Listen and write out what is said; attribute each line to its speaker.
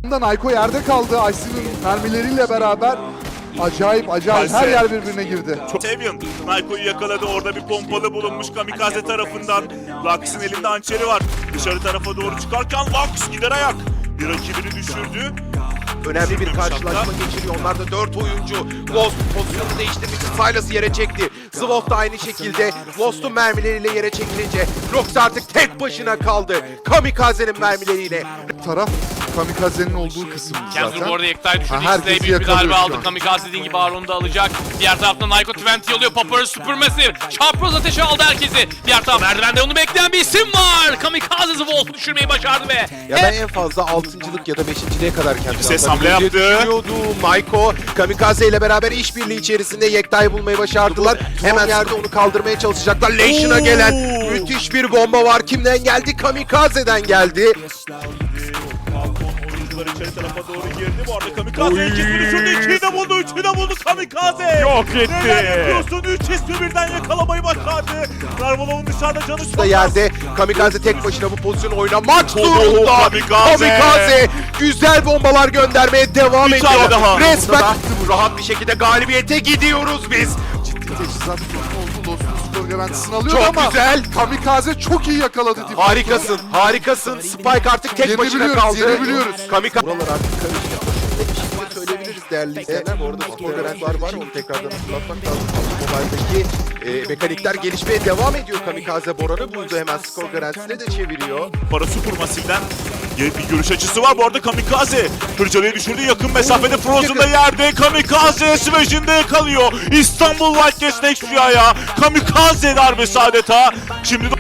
Speaker 1: Nayko yerde kaldı. Ice'nin mermileriyle beraber acayip her yer birbirine girdi.
Speaker 2: Sevian Nayko'yu yakaladı. Orada bir pompalı bulunmuş Kamikaze tarafından. Lux'ın elinde hançeri var. Dışarı tarafa doğru çıkarken Lux gider ayak. Bir rakibini düşürdü.
Speaker 3: Önemli bir karşılaşma geçiriyor. Onlar da 4 oyuncu. Lost pozisyonu değiştirmek için Silas'ı yere çekti. Zwof da aynı şekilde Lost'un mermileriyle yere çekilince Rox artık tek başına kaldı. Kamikaze'nin mermileriyle.
Speaker 1: Taraf Kamikaze'nin olduğu kısım
Speaker 4: Kenzo
Speaker 1: zaten.
Speaker 4: bu arada Yekta'yı düşürdü.
Speaker 1: Ha,
Speaker 4: İkisi de
Speaker 1: herkesi
Speaker 4: büyük bir
Speaker 1: yakalıyor
Speaker 4: darbe
Speaker 1: şu
Speaker 4: aldı.
Speaker 1: an.
Speaker 4: Kamikaze dediğin gibi Aron'u da alacak. Diğer taraftan Nayko 20 yolluyor. Popper'ı Supermassive. Çarproz ateşi aldı herkesi. Diğer taraf merdivende onu bekleyen bir isim var. Kamikaze Wolf'u düşürmeyi başardı ve
Speaker 3: Ya ben en fazla 6.lık ya da 5.liğe kadar kendini
Speaker 2: Ses
Speaker 3: atabileceği
Speaker 2: hamle yaptı.
Speaker 3: düşünüyordu. Nayko Kamikaze ile beraber işbirliği içerisinde Yekta'yı bulmayı başardılar. Hemen yerde onu kaldırmaya çalışacaklar. Lesion'a gelen müthiş bir bomba var. Kimden geldi? Kamikaze'den geldi.
Speaker 2: Oyuncular içeri tarafa doğru girdi. Bu arada Kamikaze ikisini düşürdü. İkiyi de buldu. Üçü de buldu Kamikaze.
Speaker 4: Yok etti.
Speaker 2: Neler yapıyorsun? 3 ismi birden yakalamayı başardı. Narvalov'un dışarıda canı çok
Speaker 3: Da
Speaker 2: az.
Speaker 3: yerde Kamikaze tek başına bu pozisyonu oynamak
Speaker 2: Oo,
Speaker 3: zorunda.
Speaker 2: Kamikaze.
Speaker 3: Güzel bombalar göndermeye devam
Speaker 2: Bir
Speaker 3: ediyor.
Speaker 2: tane daha.
Speaker 3: Resmen rahat bir şekilde galibiyete gidiyoruz biz.
Speaker 1: Teçhizat oldu. Lost'un skor garantisini alıyor
Speaker 3: Çok
Speaker 1: ama
Speaker 3: güzel.
Speaker 1: Kamikaze çok iyi yakaladı. Default'u.
Speaker 3: Harikasın, harikasın. Spike artık tek başına
Speaker 1: Yenebiliyoruz,
Speaker 3: kaldı.
Speaker 1: yenebiliyoruz.
Speaker 3: Kamikaze. Buralar artık karışıyor. Şöyle bir şey de söyleyebiliriz değerli izleyenler. Bu arada skor garantileri var. Onu tekrardan hatırlatmak lazım. Mobile'daki mekanikler gelişmeye devam ediyor. Kamikaze Boran'ı buldu. Hemen skor garantisine de çeviriyor.
Speaker 2: Para Supermassive'den bir görüş açısı var. Bu arada Kamikaze Hırcalı'yı düşürdü. Yakın mesafede Frozen'da yerde. Kamikaze Smash'inde yakalıyor. İstanbul Wildcats Next Rüya'ya. Kamikaze darbesi adeta. Şimdi